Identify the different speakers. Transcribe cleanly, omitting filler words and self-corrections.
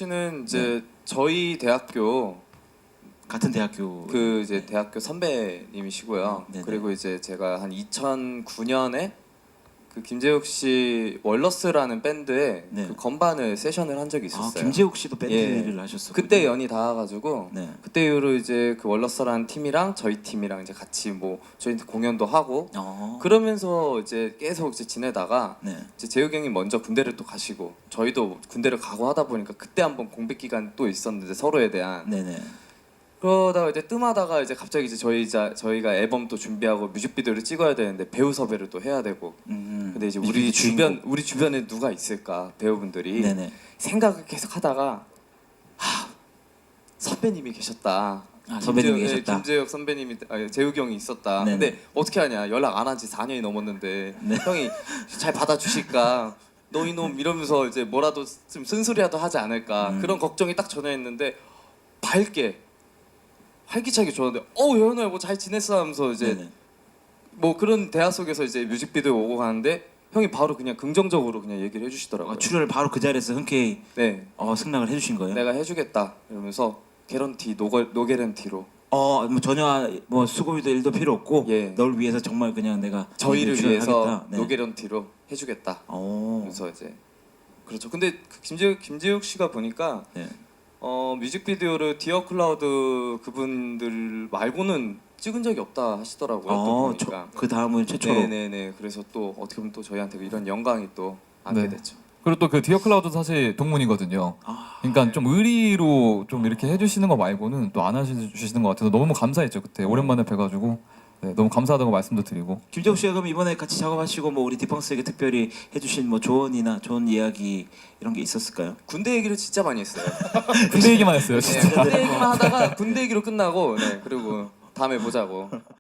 Speaker 1: 씨는 이제 저희 대학교
Speaker 2: 같은 대학교
Speaker 1: 그 이제 대학교 선배님이시고요.
Speaker 2: 네네.
Speaker 1: 그리고 이제 제가 한 2009년에 그 김재욱 씨 월러스라는 밴드에
Speaker 2: 네.
Speaker 1: 그 건반을 세션을 한 적이
Speaker 2: 아,
Speaker 1: 있었어요.
Speaker 2: 김재욱 씨도 밴드를
Speaker 1: 예.
Speaker 2: 하셨었고
Speaker 1: 그때 연이 닿아가지고
Speaker 2: 네.
Speaker 1: 그때 이후로 이제 그 월러스라는 팀이랑 저희 팀이랑 이제 같이 뭐 저희 공연도 하고 그러면서 이제 계속 이제 지내다가
Speaker 2: 네.
Speaker 1: 이제 재욱이 형이 먼저 군대를 또 가시고 저희도 군대를 가고 하다 보니까 그때 한번 공백 기간 또 있었는데 서로에 대한
Speaker 2: 네네.
Speaker 1: 그러다가 이제 뜸하다가 이제 갑자기 이제 저희가 앨범 또 준비하고 뮤직비디오를 찍어야 되는데 배우 섭외를 또 해야 되고 근데 이제 우리 주변에 누가 있을까 배우분들이
Speaker 2: 네네.
Speaker 1: 생각을 계속 하다가 선배님이 계셨다.
Speaker 2: 선배님이 계셨다.
Speaker 1: 김재혁 선배님이 재욱이 형이 있었다.
Speaker 2: 네네.
Speaker 1: 근데 어떻게 하냐 연락 안 한 지 4년이 넘었는데
Speaker 2: 네.
Speaker 1: 형이 잘 받아주실까? 너 이놈 이러면서 이제 뭐라도 좀 쓴소리라도 하지 않을까 그런 걱정이 딱 전해했는데 밝게 활기차게 좋았는데 현우야 뭐 잘 지냈어 하면서 이제
Speaker 2: 네네.
Speaker 1: 뭐 그런 대화 속에서 이제 뮤직비디오 오고 가는데 형이 바로 그냥 긍정적으로 그냥 얘기를 해주시더라고요.
Speaker 2: 출연을 바로 그 자리에서 흔쾌히
Speaker 1: 네,
Speaker 2: 승낙을 해주신 거예요?
Speaker 1: 내가 해주겠다 이러면서 개런티 노게런티로
Speaker 2: 뭐 전혀 뭐 수고비도 일도 필요 없고
Speaker 1: 예.
Speaker 2: 널 위해서 정말 그냥 내가
Speaker 1: 저희를 위해서
Speaker 2: 출연하겠다. 네.
Speaker 1: 노게런티로 해주겠다. 그래서 이제 그렇죠. 근데 그 김재욱 씨가 보니까
Speaker 2: 네.
Speaker 1: 뮤직비디오를 디어 클라우드 그분들 말고는 찍은 적이 없다 하시더라고요. 또 보니까.
Speaker 2: 그 다음은 최초로.
Speaker 1: 네네네. 그래서 또 어떻게 보면 또 저희한테 이런 영광이 또 안게 됐죠.
Speaker 3: 그리고 또 그 디어 클라우드도 사실 동문이거든요. 그러니까 좀 의리로 좀 이렇게 해주시는 거 말고는 또 안 해주시는 것 같아서 너무 감사했죠 그때 오랜만에 뵈가지고 너무 감사하다고 말씀도 드리고.
Speaker 2: 김재욱 씨가 그럼 이번에 같이 작업하시고 뭐 우리 디펑스에게 특별히 해주신 뭐 조언이나 좋은 이야기 이런 게 있었을까요?
Speaker 1: 군대 얘기를 진짜 많이 했어요.
Speaker 3: 군대 얘기만 했어요 진짜.
Speaker 1: 군대 얘기만 하다가 군대 얘기로 끝나고 그리고 다음에 보자고.